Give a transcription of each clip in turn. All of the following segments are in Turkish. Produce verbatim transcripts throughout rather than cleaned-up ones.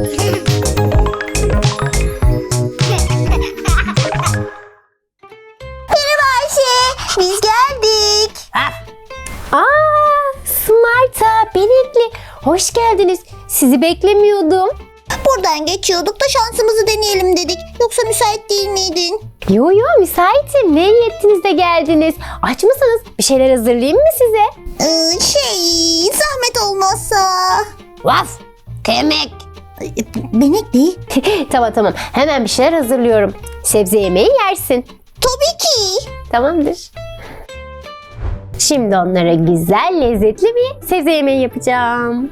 Merhaba Ayşe, biz geldik. Aa, Smart'a, Benekli. Hoş geldiniz. Sizi beklemiyordum. Buradan geçiyorduk da şansımızı deneyelim dedik. Yoksa müsait değil miydin? Yo yo müsaitim. Ne iyi ettiniz de geldiniz. Aç mısınız? Bir şeyler hazırlayayım mı size? Ee, şey, zahmet olmazsa. Vaf! Kemek! Benek değil. Tamam tamam. Hemen bir şeyler hazırlıyorum. Sebze yemeği yersin. Tabii ki. Tamamdır. Şimdi onlara güzel, lezzetli bir sebze yemeği yapacağım.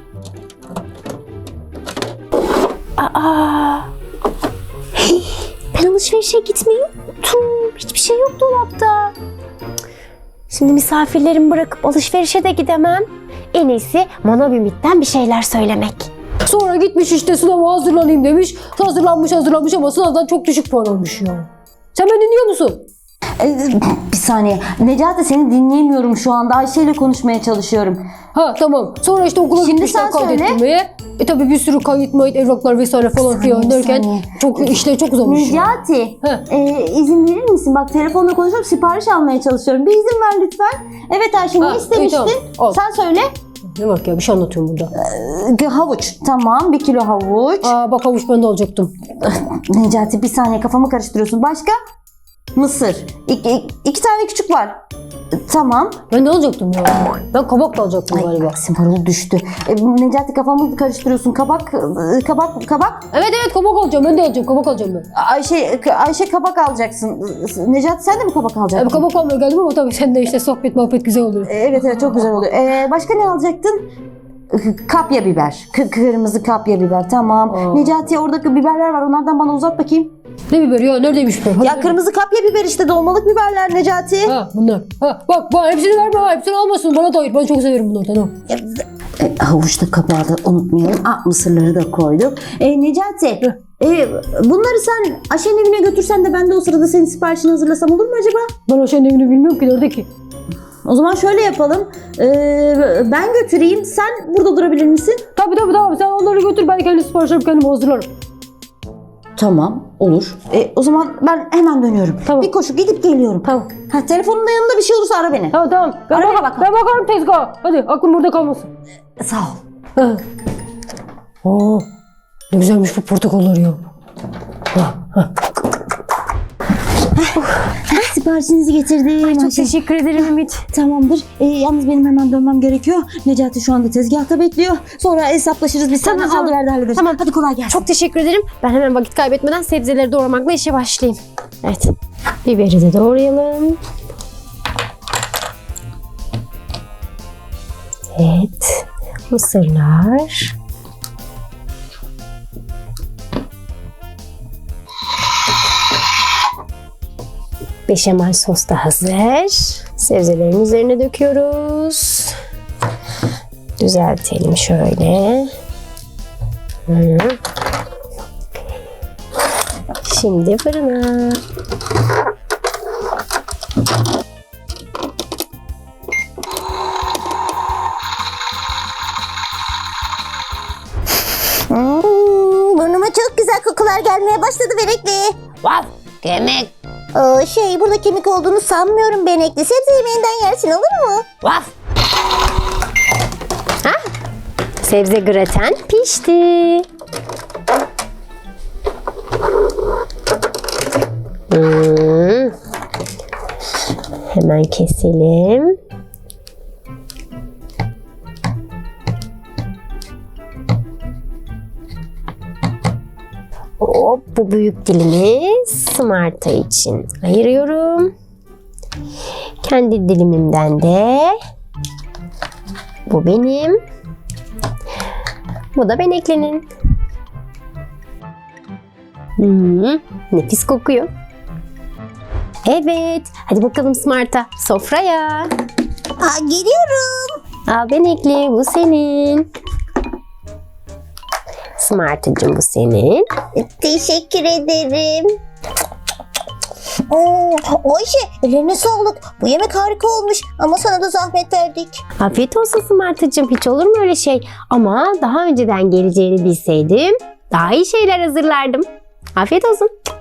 Aa! Hey, ben alışverişe gitmeyi unuttum. Hiçbir şey yok dolapta. Şimdi misafirlerimi bırakıp alışverişe de gidemem. En iyisi Manav Ümit'ten bir şeyler söylemek. Sonra gitmiş işte sınava hazırlanayım demiş. Hazırlanmış hazırlanmış ama sınavdan çok düşük puan almış ya. Sen beni dinliyor musun? Ee, bir saniye. Necati seni dinleyemiyorum şu anda. Ayşe ile konuşmaya çalışıyorum. Ha tamam. Sonra işte okula Şimdi gitmişler sen söyle. kaydettirmeye. E tabi bir sürü kayıt mayıt evraklar vesaire falan saniye, filan bir derken saniye. çok işleri çok uzamış. ya. Necati Heh. e, izin verir misin? Bak telefonla konuşuyorum, sipariş almaya çalışıyorum. Bir izin ver lütfen. Evet Ayşe, ne Ha, istemiştin? iyi, tamam. Al. Sen söyle. Ne bak ya, bir şey anlatıyorum burada. Ee, havuç. Tamam, bir kilo havuç. Aa bak, havuç ben de alacaktım. Necati bir saniye, kafamı karıştırıyorsun. Başka? Mısır. İki, iki, iki tane küçük var. Tamam. Ben de alacaktım ya. Ben kabak da alacaktım Ay, galiba. Aksim parolu düştü. E, Necati kafamı karıştırıyorsun. Kabak, e, kabak, kabak. Evet evet, kabak alacağım. Ben de alacağım. Kabak alacağım ben. Ayşe, Ayşe kabak alacaksın. Necati sen de mi kabak E, alacaksın? kabak almaya geldim ama tabii sen de işte sohbet muhabbet güzel oluyor. Evet evet, çok güzel oluyor. Ee, başka ne alacaktın? Kapya biber. K- kırmızı kapya biber. Tamam. Aa. Necati, oradaki biberler var. Onlardan bana uzat bakayım. Ne biber ya? Neredeymiş biber? Hadi Ya ver. kırmızı kapya biber işte, dolmalık biberler Necati. Ha bunlar. Ha bak bak, hepsini verme ha. Hepsini almasın. Bana da ayır. Ben çok severim bunlardan. Ha. E, havuçta kabağı da unutmayalım. Ah, mısırları da koyduk. E, Necati. E, bunları sen Ayşe'nin evine götürsen de ben de o sırada senin siparişini hazırlasam olur mu acaba? Ben Ayşe'nin evini bilmiyorum ki. Nerede ki? O zaman şöyle yapalım. E, ben götüreyim. Sen burada durabilir misin? Tabii tabii tamam. Sen onları götür. Ben kendi siparişlerimi kendim hazırlarım. Tamam, olur. E, o zaman ben hemen dönüyorum. Tamam. Bir koşu gidip geliyorum. Tamam. Ha, telefonun da yanında bir şey olursa ara beni. Tamam tamam. Ben, Araya bak bakalım. ben bakarım tezgaha. Hadi aklım burada kalmasın. Sağ ol. Ha. Oo, ne güzelmiş bu portakallar ya. Ha, ha. Siparişinizi getirdim. Çok teşekkür ederim Ümit. Tamamdır. E, yalnız benim hemen dönmem gerekiyor. Necati şu anda tezgahta bekliyor. Sonra hesaplaşırız. Biz Tamam, senden tamam. aldı verdi hallederiz. Tamam. Hadi kolay gelsin. Çok teşekkür ederim. Ben hemen vakit kaybetmeden sebzeleri doğramakla işe başlayayım. Evet. Biberi de doğrayalım. Evet. Mısırlar. Beşamel sos da hazır. Sebzelerin üzerine döküyoruz. Düzeltelim şöyle. Hı. Şimdi fırına. Hmm, burnuma çok güzel kokular gelmeye başladı Benekli. Vaf! Kemik! Ee, şey, burada kemik olduğunu sanmıyorum Benekli. Sebze yemeğinden yersin, olur mu? Vaf! Ha? Sebze graten pişti. Hmm. Hemen keselim. Hop, bu büyük dilimi Smart'a için ayırıyorum. Kendi dilimimden de bu benim. Bu da Benekli'nin. Hmm, nefis kokuyor. Evet, hadi bakalım Smart'a, sofraya. Aa, geliyorum. Al Benekli, bu senin. Smart'cığım, bu senin. Teşekkür ederim. Oo, Ayşe, ellerine sağlık. Bu yemek harika olmuş ama sana da zahmet verdik. Afiyet olsun Smart'cığım, hiç olur mu öyle şey? Ama daha önceden geleceğini bilseydim daha iyi şeyler hazırlardım. Afiyet olsun.